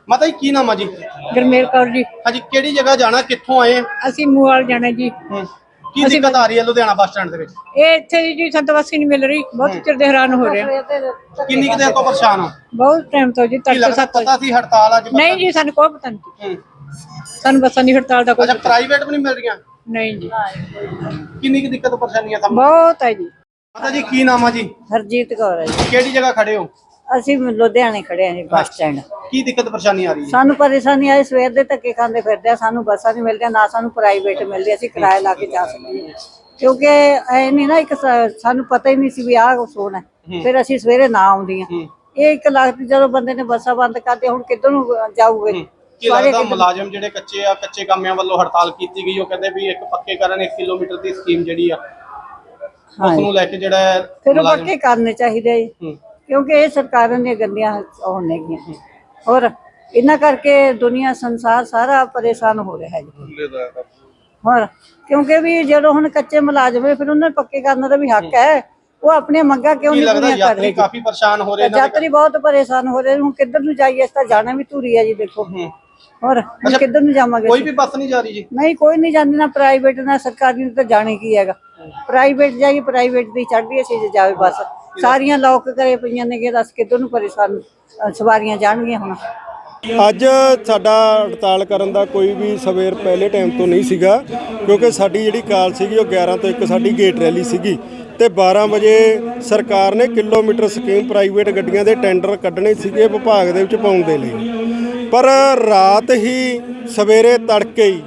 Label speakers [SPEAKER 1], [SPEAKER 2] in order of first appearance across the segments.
[SPEAKER 1] ਮਾਤਾ ਜੀ ਕੀ ਨਾਮ ਆ ਜੀ?
[SPEAKER 2] ਗਰਮੇਲ ਕੌਰ ਜੀ।
[SPEAKER 1] ਹਾਂਜੀ, ਕਿਹੜੀ ਜਗ੍ਹਾ ਜਾਣਾ, ਕਿੱਥੋਂ ਆਏ?
[SPEAKER 2] ਅਸੀਂ ਮੂਵਾਲ ਜਾਣਾ ਜੀ।
[SPEAKER 1] ਕੀ ਦਿੱਕਤ ਆ ਰਹੀ ਹੈ ਲੁਧਿਆਣਾ ਬੱਸ ਸਟੈਂਡ ਦੇ ਵਿੱਚ?
[SPEAKER 2] ਇਹ ਇੱਥੇ ਜੀ ਸੰਤਵਾਸੀ ਨਹੀਂ ਮਿਲ ਰਹੀ, ਬਹੁਤ ਚਿਰ ਦੇ ਹੈਰਾਨ ਹੋ ਰਿਹਾ।
[SPEAKER 1] ਕਿੰਨੀ ਕੁ ਦੇਰ ਤੋਂ ਪਰੇਸ਼ਾਨ ਹੋ?
[SPEAKER 2] ਬਹੁਤ ਟਾਈਮ ਤੋਂ ਜੀ।
[SPEAKER 1] ਕੀ ਲੱਗਦਾ ਪਤਾ ਸੀ ਹੜਤਾਲ ਅੱਜ?
[SPEAKER 2] ਨਹੀਂ ਜੀ, ਸਾਨੂੰ ਕੋਈ ਪਤਾ ਨਹੀਂ। ਸਾਨੂੰ ਬੱਸਾਂ ਦੀ ਹੜਤਾਲ ਦਾ ਕੋਈ
[SPEAKER 1] ਅੱਛਾ, ਪ੍ਰਾਈਵੇਟ ਵੀ ਨਹੀਂ ਮਿਲ ਰਹੀਆਂ?
[SPEAKER 2] ਨਹੀਂ ਜੀ।
[SPEAKER 1] ਕਿੰਨੀ ਕੁ ਦਿੱਕਤ ਪਰੇਸ਼ਾਨੀਆਂ ਤੁਹਾਨੂੰ?
[SPEAKER 2] ਬਹੁਤ ਹੈ ਜੀ।
[SPEAKER 1] ਮਾਤਾ ਜੀ ਕੀ ਨਾਮ ਆ ਜੀ?
[SPEAKER 3] ਹਰਜੀਤ ਕੌਰ ਹੈ ਜੀ।
[SPEAKER 1] ਕਿਹੜੀ ਜਗ੍ਹਾ ਖੜੇ ਹੋ?
[SPEAKER 3] ਅਸੀਂ ਲੁਧਿਆਣੇ ਖੜੇ ਹਾਂ ਜੀ ਬੱਸ ਸਟੈਂਡ।
[SPEAKER 1] ਕੀ ਦਿੱਕਤ ਪਰੇਸ਼ਾਨੀ ਆ ਰਹੀ ਹੈ?
[SPEAKER 3] ਸਾਨੂੰ ਪਰੇਸ਼ਾਨੀ ਆਈ, ਸਵੇਰ ਦੇ ਧੱਕੇ ਖਾਂਦੇ ਫਿਰਦੇ ਆ, ਸਾਨੂੰ ਬੱਸਾਂ ਨਹੀਂ ਮਿਲਦੀਆਂ, ਨਾ ਸਾਨੂੰ ਪ੍ਰਾਈਵੇਟ ਮਿਲਦੀ, ਅਸੀਂ ਕਿਰਾਇਆ ਲਾ ਕੇ ਜਾ ਸਕਦੇ ਹਾਂ। ਕਿਉਂਕਿ ਐ ਨਹੀਂ ਨਾ, ਇੱਕ ਸਾਨੂੰ ਪਤਾ ਹੀ ਨਹੀਂ ਸੀ ਵੀ ਆਹ ਕੁਛ ਹੋਣਾ, ਫਿਰ ਅਸੀਂ ਸਵੇਰੇ ਨਾ ਆਉਂਦੀਆਂ। ਇਹ 1 ਲੱਖ ਜਦੋਂ ਬੰਦੇ ਨੇ ਬੱਸਾਂ ਬੰਦ ਕਰਦੇ, ਹੁਣ ਕਿੱਧਰ ਨੂੰ ਜਾਊਗੇ?
[SPEAKER 1] ਕੀ ਲੱਗਦਾ ਮੁਲਾਜ਼ਮ ਜਿਹੜੇ ਕੱਚੇ ਕਾਮਿਆਂ ਵੱਲੋਂ ਹੜਤਾਲ ਕੀਤੀ ਗਈ, ਉਹ ਕਹਿੰਦੇ ਵੀ ਇੱਕ ਪੱਕੇ ਕਰਨ 1 ਕਿਲੋਮੀਟਰ ਦੀ ਸਕੀਮ ਜਿਹੜੀ ਆ ਉਸ ਨੂੰ ਲੈ ਕੇ ਜਿਹੜਾ
[SPEAKER 3] ਫਿਰ ਉਹ ਪੱਕੇ ਕਰਨੇ ਚਾਹੀਦੇ ਜੀ, ਕਿਉਂਕਿ ਇਹ ਸਰਕਾਰਾਂ ਦੀਆਂ ਗੰਦੀਆਂ ਉਹ ਨੇਗੀਆਂ। ਹੋਰ ਇਹਨਾਂ ਕਰਕੇ ਦੁਨੀਆ ਸੰਸਾਰ ਸਾਰਾ ਪਰੇਸ਼ਾਨ ਹੋ ਰਿਹਾ ਹੈ ਜੀ। ਹੋਰ ਕਿਉਂਕਿ ਵੀ ਜਦੋਂ ਹੁਣ ਕੱਚੇ ਮੁਲਾਜ਼ਮ ਹੈ, ਫਿਰ ਉਹਨਾਂ ਨੂੰ ਪੱਕੇ ਕਰਨ ਦਾ ਵੀ ਹੱਕ ਹੈ। ਉਹ ਆਪਣੀਆਂ ਮੰਗਾਂ ਕਿਉਂ ਨਹੀਂ ਪੂਰੀਆਂ ਕਰ ਰਹੇ?
[SPEAKER 1] ਕਾਫੀ ਪਰੇਸ਼ਾਨ ਹੋ ਰਹੇ ਨੇ,
[SPEAKER 3] ਯਾਤਰੀ ਬਹੁਤ ਪਰੇਸ਼ਾਨ ਹੋ ਰਹੇ। ਹੁਣ ਕਿੱਧਰ ਨੂੰ ਜਾਈਏ? ਇਸ ਤਾਂ ਜਾਣਾ ਵੀ ਧੂਰੀ ਹੈ ਜੀ, ਦੇਖੋ। ਹੋਰ ਹੁਣ ਕਿੱਧਰ ਨੂੰ ਜਾਵਾਂਗੇ?
[SPEAKER 1] ਕੋਈ ਵੀ ਬੱਸ ਨਹੀਂ ਜਾ ਰਹੀ ਜੀ?
[SPEAKER 3] ਨਹੀਂ, ਕੋਈ ਨਹੀਂ ਜਾਂਦੀ, ਨਾ ਪ੍ਰਾਈਵੇਟ ਨਾ ਸਰਕਾਰੀ ਨੂੰ। ਤਾਂ ਜਾਣੇ ਕੀ ਹੈਗਾ, ਪ੍ਰਾਈਵੇਟ ਜਾਈਏ, ਪ੍ਰਾਈਵੇਟ ਦੀ ਚੜ੍ਹਦੀ ਅਸੀਂ ਜਾਵੇ ਬੱਸ। ਸਾਰੀਆਂ ਲੋਕ ਕਰੇ ਪਈਆਂ ਨੇ ਕਿ ਦੱਸ ਕਿੱਧਰ ਨੂੰ ਪਰੇਸ਼ਾਨ ਸਵਾਰੀਆਂ ਜਾਣਗੀਆਂ ਹੁਣ।
[SPEAKER 4] ਅੱਜ ਸਾਡਾ ਹੜਤਾਲ ਕਰਨ ਦਾ ਕੋਈ ਵੀ ਸਵੇਰ ਪਹਿਲੇ ਟਾਈਮ ਤੋਂ ਨਹੀਂ ਸੀਗਾ, ਕਿਉਂਕਿ ਸਾਡੀ ਜਿਹੜੀ ਕਾਲ ਸੀਗੀ ਉਹ 11 ਤੋਂ 1 ਸਾਡੀ ਗੇਟ ਰੈਲੀ ਸੀਗੀ ਤੇ 12 ਵਜੇ ਸਰਕਾਰ ਨੇ ਕਿਲੋਮੀਟਰ ਸਕੀਮ ਪ੍ਰਾਈਵੇਟ ਗੱਡੀਆਂ ਦੇ ਟੈਂਡਰ ਕੱਢਣੇ ਸੀਗੇ ਵਿਭਾਗ ਦੇ ਵਿੱਚ ਪਾਉਣ ਦੇ ਲਈ। ਪਰ ਰਾਤ ਹੀ ਸਵੇਰੇ ਤੜਕੇ ਹੀ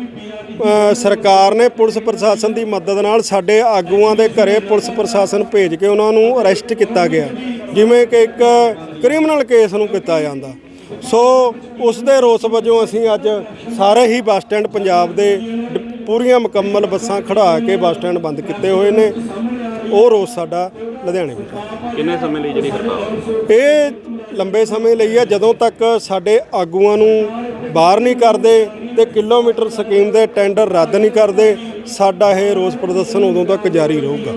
[SPEAKER 4] ਸਰਕਾਰ ਨੇ ਪੁਲਿਸ ਪ੍ਰਸ਼ਾਸਨ ਦੀ ਮਦਦ ਨਾਲ ਸਾਡੇ ਆਗੂਆਂ ਦੇ ਘਰੇ ਪੁਲਿਸ ਪ੍ਰਸ਼ਾਸਨ ਭੇਜ ਕੇ ਉਹਨਾਂ ਨੂੰ ਅਰੈਸਟ ਕੀਤਾ ਗਿਆ, ਜਿਵੇਂ ਕਿ ਇੱਕ ਕ੍ਰਿਮੀਨਲ ਕੇਸ ਨੂੰ ਕੀਤਾ ਜਾਂਦਾ। ਸੋ ਉਸ ਦੇ ਰੋਸ ਵਜੋਂ ਅਸੀਂ ਅੱਜ ਸਾਰੇ ਹੀ ਬੱਸ ਸਟੈਂਡ ਪੰਜਾਬ ਦੇ ਪੂਰੀਆਂ ਮੁਕੰਮਲ ਬੱਸਾਂ ਖੜਾ ਕੇ ਬੱਸ ਸਟੈਂਡ ਬੰਦ ਕੀਤੇ ਹੋਏ ਨੇ। ਉਹ ਰੋਸ ਸਾਡਾ ਲੁਧਿਆਣੇ ਵਿੱਚ।
[SPEAKER 5] ਕਿੰਨੇ ਸਮੇਂ ਲਈ ਜਿਹੜੀ ਹੜਤਾਲ?
[SPEAKER 4] ਇਹ ਲੰਬੇ ਸਮੇਂ ਲਈ ਹੈ, ਜਦੋਂ ਤੱਕ ਸਾਡੇ ਆਗੂਆਂ ਨੂੰ ਬਾਹਰ ਨਹੀਂ ਕਰਦੇ ਤੇ ਕਿਲੋਮੀਟਰ ਸਕੀਮ ਦੇ ਟੈਂਡਰ ਰੱਦ ਨਹੀਂ ਕਰਦੇ, ਸਾਡਾ ਇਹ ਰੋਸ ਪ੍ਰਦਰਸ਼ਨ ਉਦੋਂ ਤੱਕ ਜਾਰੀ ਰਹੂਗਾ।